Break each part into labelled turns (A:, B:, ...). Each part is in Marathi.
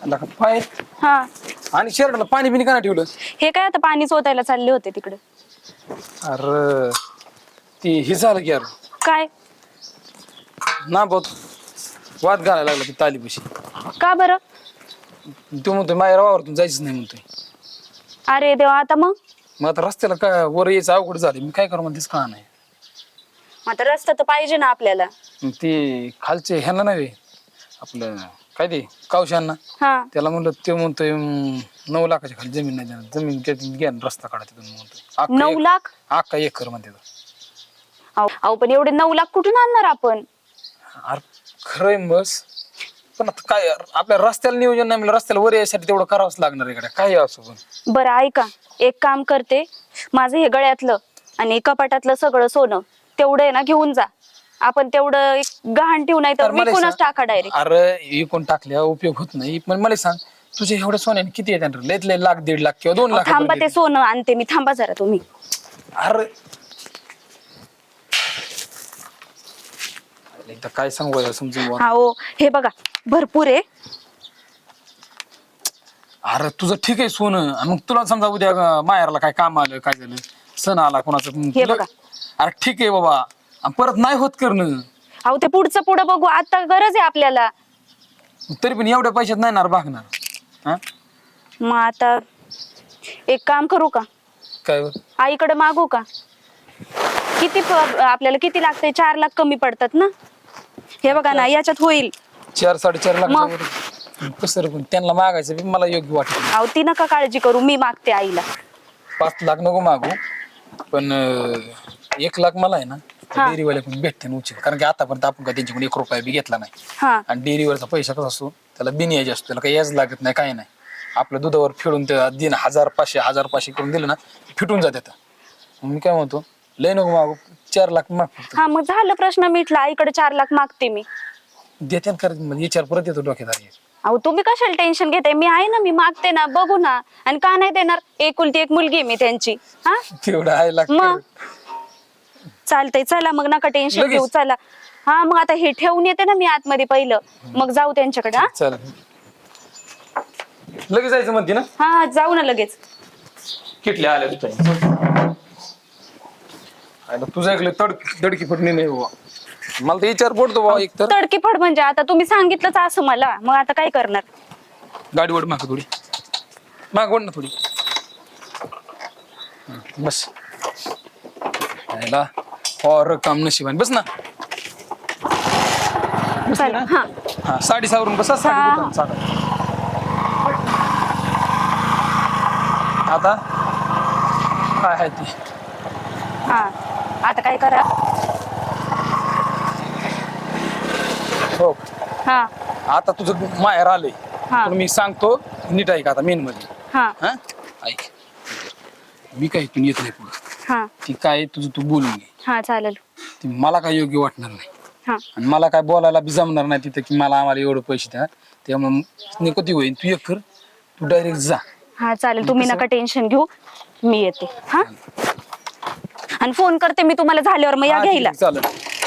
A: आला का पाय
B: हा
A: आणि शर्टला पाणी बिनी का ठेवलं?
B: हे काय आता पाणी चोतायला चालले होते तिकडे.
A: अरे ती हे झालं की यार
B: काय?
A: ना बहुत वाद घालायला लागला ती तालीपशी.
B: का बरं?
A: तो म्हणतोय माझ्या वावरातून जायचं नाही म्हणतोय.
B: अरे देवा, आता मग
A: आता रस्त्याला काय वर यायचं अवघड झालं, मी काय करू म्हणतेच का नाही.
B: आता रस्ता तर पाहिजे ना आपल्याला.
A: ते खालचे ह्यांना नव्हे आपलं काय ते कावशांना
B: हा
A: त्याला म्हणलं, ते म्हणतोय 9 लाखाच्या खाली जमीन नाही देणार, जमीन घ्या रस्ता काढा तिथून म्हणतोय.
B: 9 लाख?
A: अख्खा एकर म्हणते.
B: अहो पण एवढे 9 लाख कुठून आणणार आपण?
A: अरे खरंय बस, पण आता काय आपल्या रस्त्याला नियोजन नाही, म्हणजे रस्त्याला वर यायसाठी तेवढं करावंच लागणार आहे. काय असो पण
B: बरं ऐका, एक काम करते, माझं हे गळ्यातलं आणि कपाटातलं सगळं सोनं तेवढं आहे ना घेऊन जा. आपण तेवढं एक गहाण ठेवू, नाही तर विकूनच टाका डायरेक्ट.
A: अरे विकून टाकल्या उपयोग होत नाही. पण मला सांग, तुझ्या एवढ्या सोन्याने किती येतात? लयत लय लाख, 1.5 लाख किंवा 2 लाख.
B: थांबा, ते सोनं आणते मी, थांबा जरा तुम्ही.
A: अरे एकदा काय सांगू समजून.
B: हो हे बघा, भरपूर आहे.
A: अरे तुझं ठीक आहे सोनं, मग तुला समजा उद्या माहेरला काय काम आलं, काय झालं, सण आला कोणाचं,
B: हे बघा.
A: अरे ठीक आहे बाबा, परत नाही होत करणं.
B: अहो ते पुढचं पुढं बघू, आता गरज आहे आपल्याला.
A: तरी पण एवढ्या पैशात नाही ना भागणार. हा
B: मग आता एक काम करू का,
A: काय
B: आईकडे मागू का? किती आपल्याला किती लागतंय? 4 लाख कमी पडतात ना. हे बघा ना, याच्यात होईल
A: 4-4.5 लाख. कसं रे, पण त्यांना मागायचं बी मला योग्य वाटत.
B: अहो ती नका काळजी करू, मी मागते आईला.
A: 5 लाख नको मागू, पण 1 लाख मला आहे ना डेअरीवाल्याकडून भेटते उचल. कारण की आतापर्यंत आपण काय त्यांच्याकडून 1 रुपया बी घेतला नाही.
B: हा
A: आणि डेअरीवरचा पैसा कसा असतो, त्याला बिन यायचे असतो, त्याला काही याच लागत नाही, काही नाही. आपल्या दुधावर फिरून ते दिन 1000-500 करून दिलं ना, फिटून जाते. मी काय म्हणतो, लय नको मागू, 4 लाख माग फक्त.
B: हा मग झालं, प्रश्न मिटला. आईकडे 4 लाख मागते मी.
A: देते म्हणजे विचार परत येतो डोक्यात.
B: अहो तुम्ही कशाला टेन्शन घेताय? मी आहे ना, मी मागते ना, बघू ना. आणि का नाही देणार? एकुलती एक मुलगी मी त्यांची. हा
A: तेवढं आहे
B: मग
A: लागतं.
B: चालतंय, चला मग, नका टेन्शन घेऊ, चला. हा मग आता हे ठेवून येते ना मी आतमध्ये पहिलं, मग जाऊ त्यांच्याकडे. हा
A: चल लगेच जायचं म्हणते ना.
B: हा जाऊ ना लगेच.
A: किटल्या आल्या तुझ्या तुझं ऐकलं दडकी फटणी नाही बाबा. मला तर विचार पडतो बाबा. एक तर
B: तडकी फड म्हणजे आता तुम्ही सांगितलंच असं मला, मग आता काय करणार?
A: गाडी ओढ माग थोडी, माग ओढ ना थोडी. बस और काम नशिबाने बस ना.
B: चला. हा
A: हा साडी सावरून बसा. आता काय आहे ती?
B: हा आता काय करा.
A: हो
B: हा
A: आता तुझं माहेर आलंय,
B: हा.
A: पण मी सांगतो नीट ऐक आता मेन मध्ये.
B: हा
A: हा ऐक, मी काही इथून येत नाही पुढं.
B: हा
A: ती काय तुझं तू बोलून घे.
B: हा चालेल.
A: ती मला काय योग्य वाटणार नाही.
B: हा
A: आणि मला काय बोलायला बी जमणार नाही तिथं की आम्हाला एवढं पैसे द्या. त्यामुळे कधी होईल, तू एक कर, तू डायरेक्ट जा.
B: हा चालेल, तुम्ही नका टेन्शन घेऊ, मी येते. हा आणि फोन करते मी तुम्हाला झाल्यावर, मग या घ्यायला.
A: चालेल.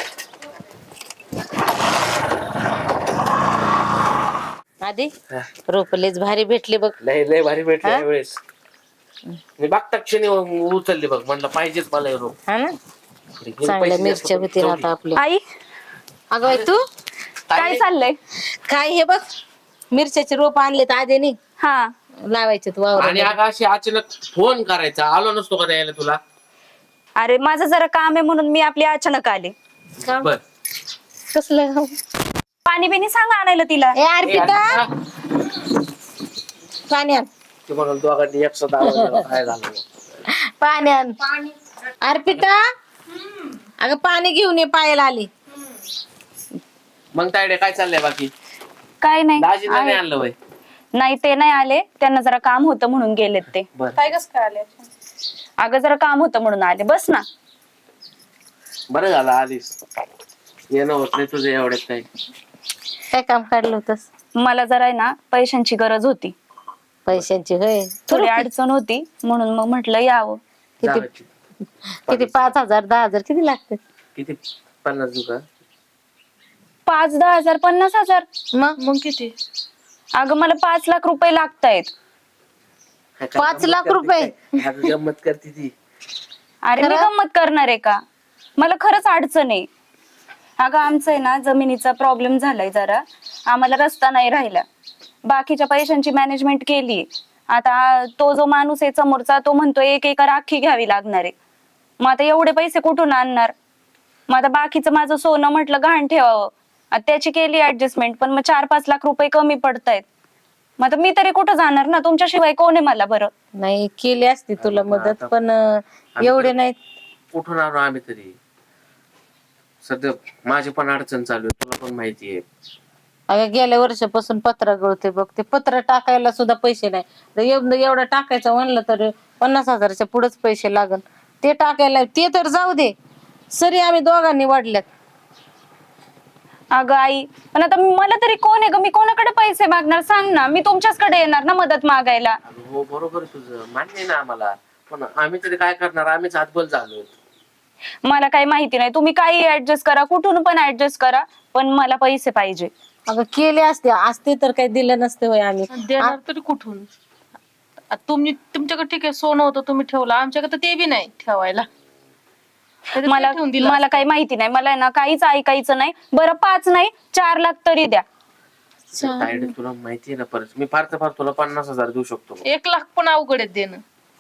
C: आधी रोपलेच भारी भेटले बघ.
D: लय लय भारी भेटले यावेळेस. मी बघता क्षणी उचलले बघ, म्हणलं पाहिजेच मला हे रोप.
C: हा ना, चांगल्या मिरच्या होतील आता आपल्या.
B: आई
C: अगं बाई, तू
B: काय चाललंय?
C: काय हे बघ, मिरच्याचे रोप आणलेत आधीने,
B: हा
C: लावायचे वावर.
D: आणि अगं अशी अचानक फोन करायचा, आलो नसतो का द्यायला तुला?
B: अरे माझं जरा काम आहे म्हणून मी आपली अचानक आले.
D: बर
C: कसलं
B: पाणी बिनी सांगा आणायला तिला.
C: ए अर्पिता, पाणी आण.
D: ते म्हणाल दोघांनी एकसाथ आवाज काय झालं.
C: पाणी आण. अर्पिता, अगं पाणी घेऊन ये, पायाला आली.
D: मग तायडे काय चाललंय बाकी?
B: काय नाही
D: दाजीला नाही
B: आहे.
D: आणलं वय?
B: नाही ते नाही आले, त्यांना जरा काम होतं म्हणून गेलेत ते.
D: बर
B: काय कसं काय आले? अगं जरा काम होतं म्हणून आले. बस ना.
D: बरं झालं आलीस, येणं होत नाही तुझं एवढ्यात. काही
C: काय काम काढलं होतस?
B: मला जरा आहे ना पैशांची गरज होती,
C: पैशांची होय.
B: थोडी अडचण होती, म्हणून मग म्हटलं यावं.
D: जावायची.
C: किती 5,000 10,000 किती लागतात?
D: किती? 50 दुका?
B: 5-10 हजार 50,000.
C: मग
B: किती? अगं मला 5 लाख रुपये लागतायत.
C: 5 लाख रुपये?
D: गंमत करते ती.
B: अरे मी गंमत करणार आहे का? मला खरंच अडचण आहे. अगं आमचं आहे ना जमिनीचा प्रॉब्लेम झालाय जरा, आम्हाला रस्ता नाही राहिला. बाकीच्या पैशांची मॅनेजमेंट केली. आता तो जो माणूस आहे समोरचा तो म्हणतो 1 एकर अख्खी घ्यावी लागणार आहे. मग आता एवढे पैसे कुठून आणणार? मग आता बाकीचं माझं सोनं म्हटलं गहाण ठेवावं, आता त्याची केली ऍडजस्टमेंट, पण मग 4-5 लाख रुपये कमी पडतायत. मग आता मी तरी कुठं जाणार ना, तुमच्याशिवाय कोण आहे मला बरं?
C: नाही केली असती तुला मदत, पण एवढे नाही.
D: कुठून आलो आम्ही तरी? सध्या माझी पण अडचण चालू आहे, तुला पण माहिती आहे.
C: अगं गेल्या वर्षापासून पत्रा गळते बघ, ते पत्र टाकायला सुद्धा पैसे नाही. तर एवढं टाकायचं म्हणलं तर 50,000च्या पुढेच पैसे लागल. ते टाकायला ते तर जाऊ दे, सरी आम्ही दोघांनी वाढल्यात.
B: अगं आई, पण आता मला तरी कोण आहे ग? मी कोणाकडे पैसे मागणार सांग ना? मी तुमच्याचकडे येणार ना मदत मागायला.
D: अगं हो बरोबर आहे तुझं, मान्य आहे ना आम्हाला, पण आम्ही तरी काय करणार? आम्हीच हातबल झालो.
B: मला काही माहिती नाही, तुम्ही काही ऍडजस्ट करा, कुठून पण ऍडजस्ट करा, पण मला पैसे पाहिजे.
C: अगं केले असते तर काही दिलं नसते होय आम्ही.
E: देणार तरी कुठून? तुम्ही तुमच्याकडे ठीक आहे सोनं होतं तुम्ही ठेवलं, आमच्याकडे तर ते बी नाही ठेवायला. नाहीतर ते
B: मला
E: ठेवून दिलं
B: मला काही माहिती नाही, मला ना काहीच ऐकायचं नाही. बरं 5 नाही 4 लाख तरी द्या.
D: तायडे तुला माहिती आहे ना, परत मी फार तर फार तुला 50,000 देऊ शकतो.
E: 1 लाख पण अवघड आहे देणं.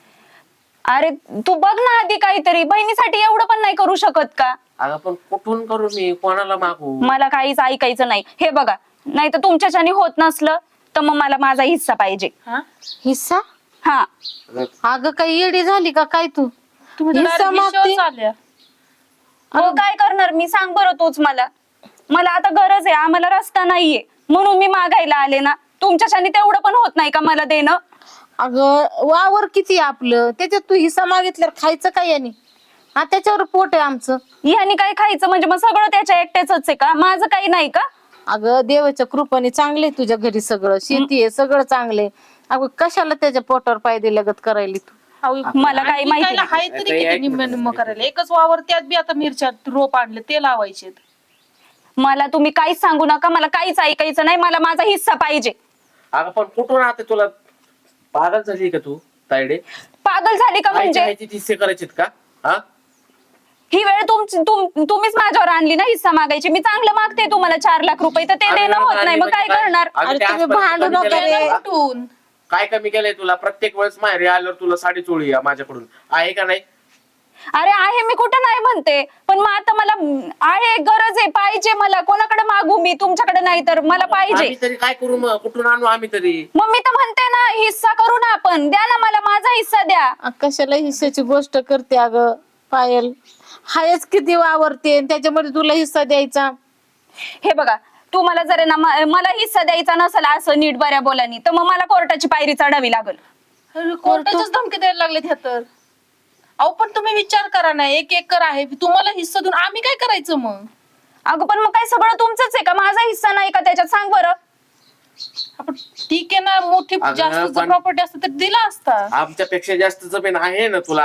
B: अरे तू बघ ना आधी काहीतरी, बहिणीसाठी एवढं पण नाही करू शकत का?
D: अगं पण कुठून करू मी, कोणाला मागू?
B: मला काहीच ऐकायचं नाही. हे बघा, नाही तर तुमच्याच्याने होत नसलं तर मग मला माझा हिस्सा पाहिजे.
E: हा
C: हिस्सा?
B: हा.
C: अगं काही येडी झाली का काय तू?
E: तुम्ही तर
C: हिस्सा
E: direct
C: मागते?
E: विषयावर आल्या.
B: हो काय करणार मी, सांग बरं तूच मला. मला आता गरज आहे, आम्हाला रस्ता नाहीये म्हणून मी मागायला आले ना. तुमच्याच्याने तेवढं पण होत नाही का मला देणं?
C: अगं वावर किती आहे आपलं, त्याच्यात तू हिस्सा मागितल्यावर खायचं काय याने? हा त्याच्यावर पोट आहे आमचं.
B: ह्यानी काय खायचं म्हणजे मग सगळं त्याच्या एकट्याच आहे का? माझं काही नाही का?
C: अगं देवाच्या कृपाने चांगले तुझ्या घरी सगळं, शेती आहे सगळं चांगले. अगं कशाला त्याच्या पोटावर पाय दिल्यागत करायली तू?
E: अहो,
B: मला काही
E: आणखी
B: माहिती
E: कायला
B: नाही.
E: हाय तरी किती निम्म निम्म करायला. एकच वावर त्यात बी आता मिरच्या रोप आणले ते लावायचे.
B: मला तुम्ही काहीच सांगू नका, मला काहीच ऐकायचं नाही. मला माझा हिस्सा पाहिजे.
D: अगं पण कुठून आता तुला पागल झाली का तू तायडे?
B: पागल झाली का म्हणजे?
D: माहिती हिस्से करायचीत का? हा
B: ही वेळ तुम्हीच माझ्यावर आणली ना हिस्सा मागायची. मी चांगलं मागते तुम्हाला 4 लाख रुपये, तर ते देणं होत नाही, मग काय करणार?
D: अगं
C: अरे
D: ते
C: तुम्ही
D: आजपर्यंत
C: भांडू
D: कमी
C: नका
D: केलंय
C: रे.
D: तुला?
E: कुठून?
D: काय कमी केलंय तुला? प्रत्येक वेळेस माहेरी आल्यावर तुला साडी चोळी माझ्याकडून आहे का नाही?
B: अरे आहे, मी कुठं नाही म्हणते, पण मग आता मला आहे, गरज आहे, पाहिजे मला. कोणाकडे मागू मी? तुमच्याकडे नाही तर मला पाहिजे.
D: आम्ही तरी काय करू मग? कुठून आणू आम्ही तरी?
B: मग मी तर म्हणते ना हिस्सा करू ना आपण. द्या ना मला माझा हिस्सा द्या.
C: कशाला हिस्साची गोष्ट करते अगं पायल? हायच किती वावरते आणि त्याच्यामध्ये तुला हिस्सा द्यायचा?
B: हे बघा, तुम्हाला जर ना मला हिस्सा द्यायचा नसेल असं नीट बऱ्या बोलानी, तर मग मला कोर्टाची पायरी चढावी लागल.
E: अरे, कोर्टाच्याच धमकी द्यायला लागलेत ह्या तर. अहो पण तुम्ही विचार करा ना, 1 एकर आहे तुम्हाला हिस्सा देऊन आम्ही काय करायचं मग?
B: अगं पण मग काय सगळं तुमचंच आहे का? माझा हिस्सा नाही का त्याच्यात? सांग बरं.
E: आपण ठीक आहे ना, मोठी
D: अगं,
E: जास्त
D: पण-
E: प्रॉपर्टी असते तर दिला असता.
D: आमच्यापेक्षा जास्त जमीन आहे ना तुला.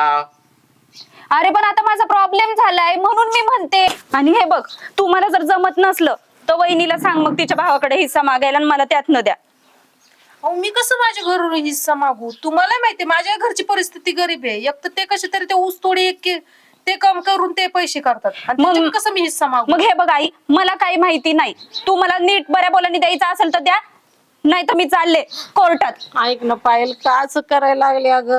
B: अरे पण आता माझा प्रॉब्लेम झालाय म्हणून मी म्हणते. आणि हे बघ, तुम्हाला जर जमत नसलं तर वहिनीला सांग मग तिच्या भावाकडे हिस्सा मागायला आणि मला त्यातनं द्या.
E: अहो मी कसं माझ्या घरून हिस्सा मागू? तुम्हाला माहिती माझ्या घरची परिस्थिती गरीब आहे. एक तर ते कसे तरी ते ऊस तोडी ते काम करून ते पैसे करतात आणि
B: मग-
E: त्याच्यात कसं मी हिस्सा मागू?
B: मग हे बघ आई, मला काही माहिती नाही. तू मला नीट बऱ्या बोलानी द्यायचं असेल तर द्या, नाही तर मी चालले कोर्टात.
C: ऐक ना पायल, का असं करायला लागले अगं?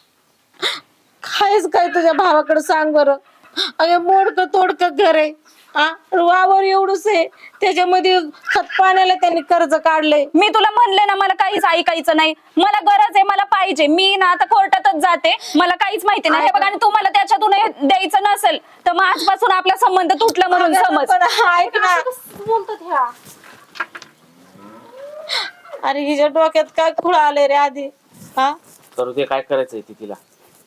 C: खायच काय तुझ्या भावाकडे सांग बरं? अगं मोडकं तोडकं घर आहे, वावर एवढंच आहे, त्याच्यामध्ये खत पाण्याला त्यांनी कर्ज काढलंय.
B: मी तुला म्हणले ना मला काहीच ऐकायचं नाही. मला गरज आहे, मला पाहिजे. मी ना आता कोर्टातच जाते, मला काहीच माहिती नाही. हे बघ, आणि तुम्हाला त्याच्यातून हे द्यायचं नसेल तर मग आजपासून आपला संबंध तुटला म्हणून समज.
C: पण ऐक ना,
E: बोलतात ह्या.
C: अरे हिच्या डोक्यात काय खुळा आले रे आधी? हा
D: करू दे, काय करायचंय ती तिला.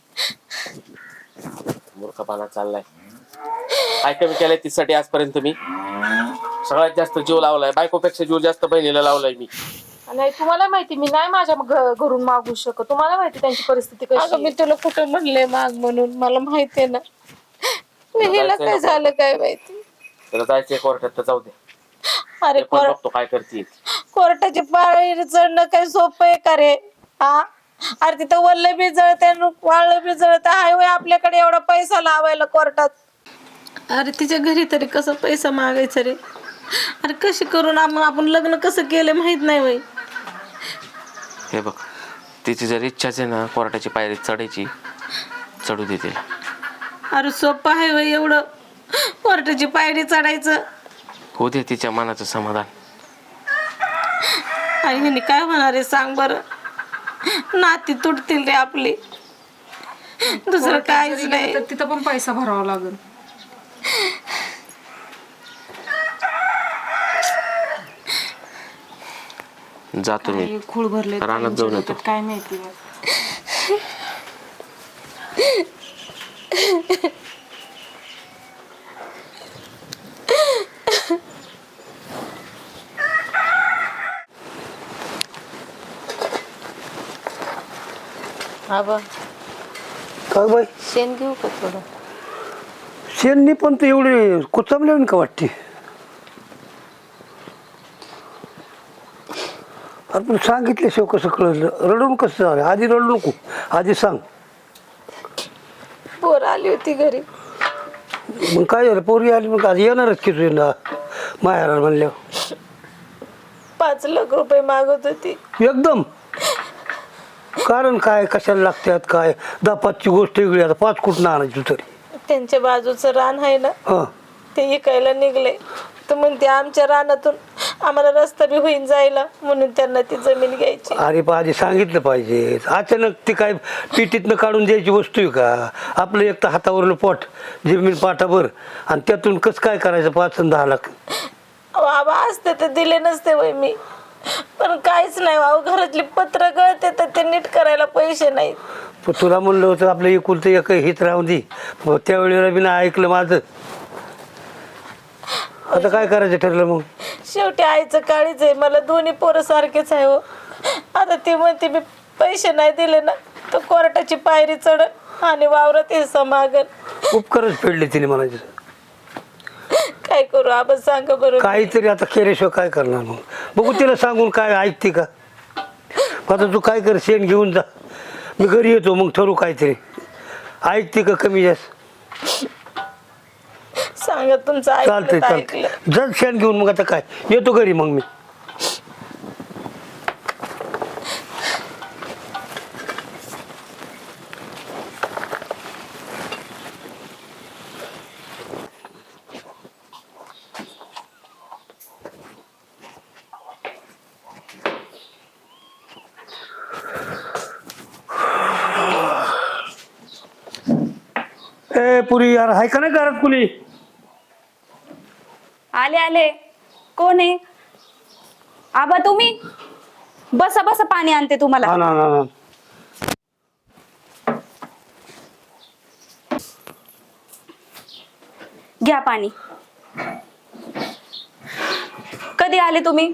D: मूर्खपणा चाललाय. काय कमी केलंय तिसाठी आजपर्यंत मी? सगळ्यात जास्त जीव लावलाय, बायकोपेक्षा जीव जास्त बहिणीला लावलाय मी.
E: नाही तुम्हाला माहिती मी नाही माझ्या घरून मागू शकत. तुम्हाला माहिती त्यांची परिस्थिती कशी
C: अगं मी
E: आहे.
C: तुला कुठं म्हणले माग म्हणून? मला माहितीये ना. हिला काय झालं काय माहिती?
D: त्याला जायचंय कोर्टात तर जाऊ दे.
C: अरे
D: ते पण बघतो काय करते.
C: कोर्टाची पायरी चढणं काही सोपं आहे का रे? हा, अरे तिथं वल्ल बी जळते वाळलं बी जळते. हाय वय आपल्याकडे एवढा पैसा लावायला कोर्टात. अरे तिच्या घरी तरी कसं पैसा मागायचा रे? अरे कशी करून आपण लग्न कसं केलं माहित नाही वय.
D: हे बघ, तिची जर इच्छाच आहे ना कोर्टाची पायरी चढायची, चढू दे तिला.
C: अरे सोपं आहे वय एवढं कोर्टाची पायरी चढायचं?
D: होऊ दे तिच्या मनाचं समाधान.
C: आणि ह्याने काय होणार आहे सांग बरं? नाती तुटतील रे आपली, दुसरं काहीच नाही.
E: तर तिथं पण पैसा भरावा लागेल.
D: जातो मी
E: खूळ भरले
D: रानात जाऊन येतो.
E: काय माहिती.
C: आबा
F: काय बाई
C: शेण घेऊ का थोडं?
F: शेणनी पण तर एवढे कुचमले का वाटते? अरे पण सांगितल्याशिवाय कसं कळलं? रडून कसं झालं? आधी रडू नको, आधी सांग.
C: पोर आली होती घरी.
F: मग काय झालं? पोरगी आली मग आज येणारच की तुझ्या माहेराला म्हणल्यावर.
C: 5 लाख रुपये मागत होती.
F: एकदम कारण काय? कशाला लागतात काय? 10-5ची गोष्ट वेगळी. आता 5 कुठं आणायची तरी?
C: त्यांच्या बाजूचं रान आहे ना,
F: हां,
C: ते इकायला निघले. तर म्हणते आमच्या रानातून आम्हाला रस्ता बी होईन जायला, म्हणून त्यांना ती जमीन घ्यायची.
F: अरे पण आधी सांगितलं पाहिजे. अचानक ती काय पिटीतनं काढून द्यायची वस्तू आहे का? आपलं एक तर हातावरलं पोट, जमीन पाठाभर, आणि त्यातून कसं काय करायचं 5 आणि 10 लाख?
C: बाबा असते तर दिले नसते वय मी, पण काहीच नाही. घरातली पत्र गळते तर ते नीट करायला पैसे नाहीत.
F: पण तुला म्हणलं होतं आपलं एकुलतं एक हित राहून दे. त्यावेळेला मी नाही ऐकलं माझं. आता काय करायचं ठरलं मग?
C: शेवटी आईचं काळीच आहे. मला दोन्ही पोरं सारखेच आहे हो. आता ती म्हणते मी पैसे नाही दिले ना तर कोर्टाची पायरी चढ आणि वावरात हिस्सा मागल.
F: उपकारच फेडले तिने म्हणायचं.
C: काय करू आपण सांगा बरं?
F: काहीतरी आता केल्याशिवाय काय करणार मग? बघू तिला सांगून काय ऐकते का? आता तू काय कर, शेण घेऊन जा, मी घरी येतो, मग ठरू काहीतरी. ऐकते का कमी जास्त?
C: सांगा तुमचं
F: चालतंय
C: ऐकलं तर
F: चालतंय,
C: ऐकलं.
F: जर शेण घेऊन मग आता काय येतो घरी मग मी. ए पुरी यार, हाय का नाही घरात कुणी?
B: आले आले. कोण आहे? आबा तुम्ही बसा बसा, पाणी आणते तुम्हाला.
F: हा ना ना ना.
B: घ्या पाणी. कधी आले तुम्ही?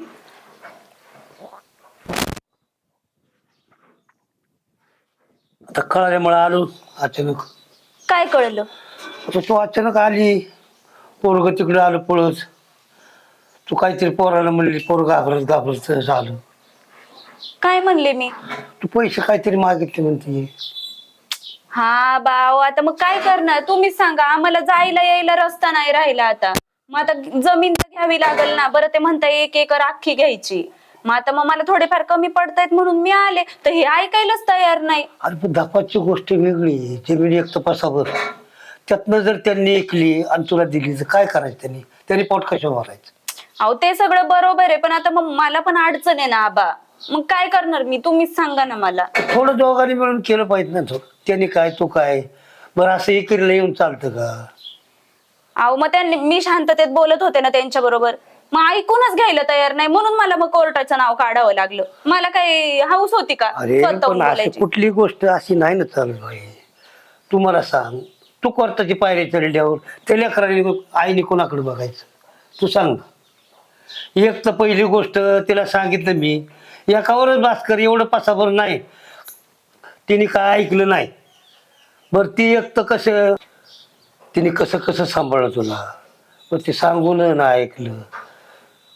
F: आता कळाल्यामुळे आलो अचानक.
B: काय कळलं?
F: आता तू अचानक आली, पोरग तिकडे आलं पळत. तू काहीतरी पोराला म्हणली, पोरग घाबरत झालं.
B: काय म्हणले मी?
F: तू पैसे काहीतरी मागितले म्हणते.
B: हा बाव, आता मग काय करणार तुम्हीच सांगा. आम्हाला जायला यायला रस्ता नाही राहिला आता. मग आता जमीन तर घ्यावी लागल ना. बरं ते म्हणता 1 एकर अख्खी घ्यायची. मग मला थोडेफार कमी पडतायत म्हणून मी आले, तर हे ऐकायलाच तयार नाही.
F: अरे पण दापाची गोष्ट वेगळी. जमीन एक तपासावर, त्यातनं जर त्यांनी ऐकली आणि तुला दिली तर काय करायचं? त्यांनी पोट कशा भरायचं?
B: अहो ते सगळं बरोबर आहे, पण आता मग मला पण अडचण आहे ना आबा. मग काय करणार मी? तुम्हीच सांगा ना मला.
F: थोडं दोघांनी मिळून केलं पाहिजे ना. त्यांनी काय तू काय, बरं असं एकीला येऊन चालतं का?
B: अहो मग त्यांनी, मी शांततेत बोलत होते ना त्यांच्या बरोबर, मग ऐकूनच घ्यायला तयार नाही, म्हणून मला मग कोर्टाचं नाव काढावं लागलं. मला काही हाऊस होती का
F: अरे
B: स्वतःहून
F: पण अशी
B: बोलायची?
F: कुठली गोष्ट अशी नाही ना चालू भाई. तू मला सांग, तू कोर्टाची पायरी चढल्यावर त्या लेकराने आईने कोणाकडे बघायचं? तू सांग. एक तर पहिली गोष्ट तिला सांगितलं मी, एकावरच भास्कर एवढं पासाभर नाही. तिने काय ऐकलं नाही. बरं ती एक तर कसं, तिने कसं कसं सांभाळलं तुला, पण ते सांगून ना ऐकलं.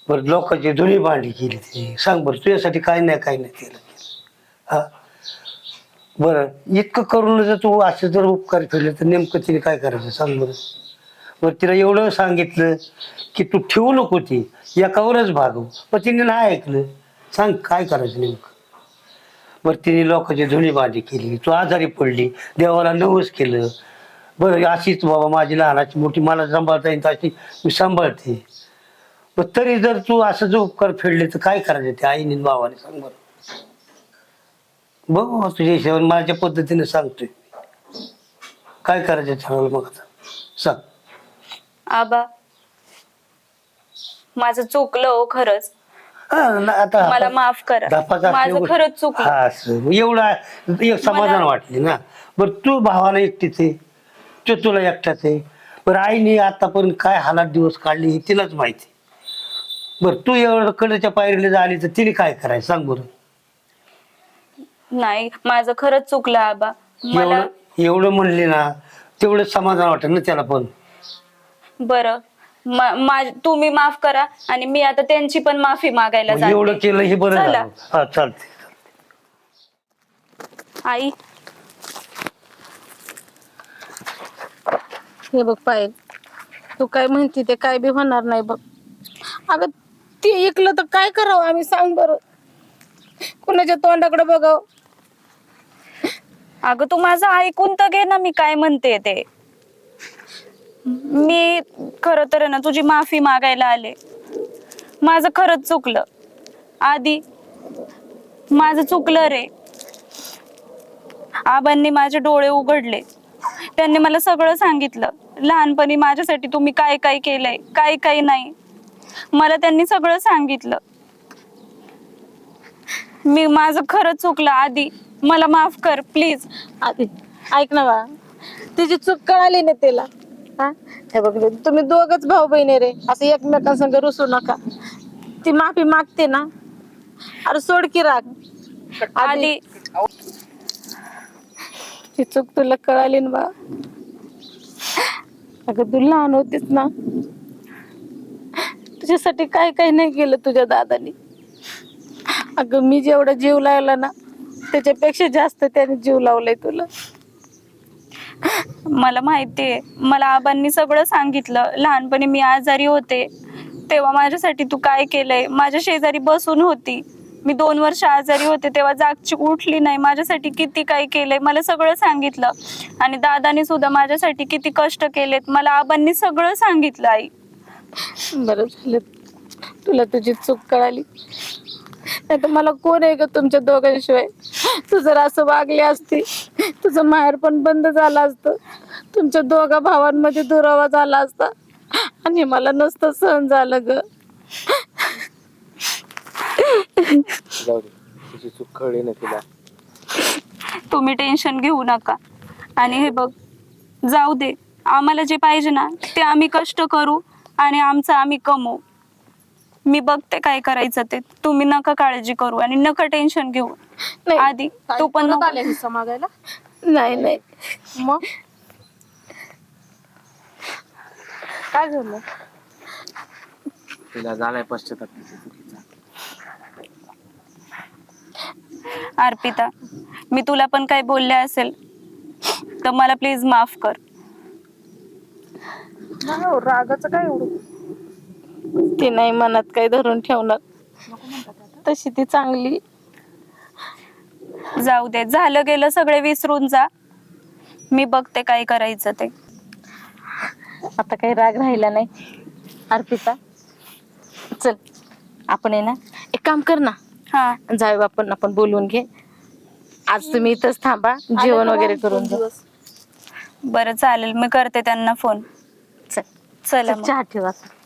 F: बरं लोकांची धुणी भांडी केली ती सांग बरं तुझ्यासाठी काय नाही केलं हा बरं इतकं करून जर तू असं जर उपकार केले तर नेमकं तिने काय करायचं सांग बरं. बरं तिला एवढं सांगितलं की तू ठेवू नको ती एकावरच भागव पण तिने नाही ऐकलं. सांग काय करायचं नेमकं. बरं तिने लोकांची धुणी भांडी केली तू आजारी पडली देवाला नवस केलं. बरं अशीच बाबा माझी लहानाची मोठी मला सांभाळता येईल अशी मी सांभाळते. पण तरी जर तू असं जो उपकार फेडले तर काय करायचं ते आईने भावाने सांग बरं. बघ तुझ्या हिशोबाने माझ्या पद्धतीने सांगतोय काय करायचं ठरवलं मग आता सांग.
B: आबा माझं चुकलं हो खरंच.
F: आता
B: मला माफ करा.
F: धापाचा
B: माझं खरंच चुकलं.
F: हा असं एवढा एक समाधान वाटले ना. बरं तू भावाला एकटीच आहे तो तुला एकटाच आहे. बरं आईने आतापर्यंत काय हालात दिवस काढले हे तिलाच माहिती. बरं तू एवढं कडेच्या पायरीला झाली तर तिने काय करायचं सांग बरं.
B: नाही माझं खरंच चुकलं आबा. मला
F: एवढं म्हणले ना तेवढं समाधान वाटेल ना त्याला पण.
B: बरं तुम्ही माफ करा आणि मी आता त्यांची पण माफी मागायला
F: मग एवढं
B: जाते.
F: केलं हे बरं
B: चला.
F: झालं. हा चालते.
B: आई
C: हे बघ पायल तू काय म्हणते ते काय बी होणार नाही बघ. अगं ते ऐकलं तर काय करावं आम्ही सांग बरं. कुणाच्या तोंडाकडे बघावं.
B: अगं तू माझं ऐकून तर घे ना मी काय म्हणते ते. मी खरं तर ना तुझी माफी मागायला आले. माझं खरंच चुकलं आधी. माझं चुकलं रे. आबांनी माझे डोळे उघडले. त्यांनी मला सगळं सांगितलं लहानपणी माझ्यासाठी तुम्ही काय काय केलंय काय काय नाही. मला त्यांनी सगळं सांगितलं. मी माझं खरंच चुकलं आधी. मला माफ कर प्लीज.
C: आधी ऐक ना बा तिची चूक कळाली ना तिला. हा हे बघ तुम्ही दोघच भाऊ बहिणी रे असं एकमेकांसंग रुसू नका. ती माफी मागते ना अरे सोड की राग.
B: आधी
C: ती चूक तुला कळाली ना बा. अगं तू लहान होतीस ना तुझ्यासाठी काय काय नाही केलं तुझ्या दादानी. अगं मी जेवढा जीव लावला ना त्याच्यापेक्षा जास्त त्याने जीव लावलाय तुला.
B: मला माहितीये. मला आबांनी सगळं सांगितलं. लहानपणी मी आजारी होते तेव्हा माझ्यासाठी तू काय केलंय. माझ्या शेजारी बसून होती. मी 2 वर्ष आजारी होते तेव्हा जागची उठली नाही. माझ्यासाठी किती काय केलंय मला सगळं सांगितलं. आणि दादानी सुद्धा माझ्यासाठी किती कष्ट केलेत मला आबांनी सगळं सांगितलं. आई
C: बरं झालं तुला तुझी चूक कळाली. नाही तर मला कोण आहे ग तुमच्या दोघांशिवाय. तू जर असं वागली असती तुझं माहेर पण बंद झालं असतं. तुमच्या दोघा भावांमध्ये दुरावा झाला असता आणि मला नसतं सहन झालं ग.
D: जाऊ दे तुझी चूक कळली ना तिला.
B: तुम्ही टेन्शन घेऊ नका. आणि हे बघ जाऊ दे. आम्हाला जे पाहिजे ना ते आम्ही कष्ट करू आणि आमचं आम्ही कमवू. मी बघते काय करायचं ते. तुम्ही नका काळजी करू आणि नका टेन्शन घेऊ.
C: नाही.
B: आधी तू पण
E: परत
B: नको.
E: आले हिस्सा मागायला.
C: नाही नाही
E: मग काय झालं.
D: तिला झालाय पश्चाताप तिच्या चुकीचा.
B: अर्पिता मी तुला पण काय बोलले असेल तर मला प्लीज माफ कर.
E: नाही हो, रागाचं काय एवढं.
C: ती नाही मनात काही धरून ठेवणार. तशी ती चांगली.
B: जाऊ दे झालं गेलं सगळे विसरून जा. मी बघते काय करायचं ते.
C: आता काही राग राहिला नाही. अर्पिता चल आपण आहे ना एक काम कर ना.
B: हा
C: जाऊ आपण बोलून घे. आज तुम्ही इथंच थांबा जेवण वगैरे करून जा.
B: बरं चालेल मी करते त्यांना फोन.
C: चल
B: चला मग.
C: चहा ठेवा.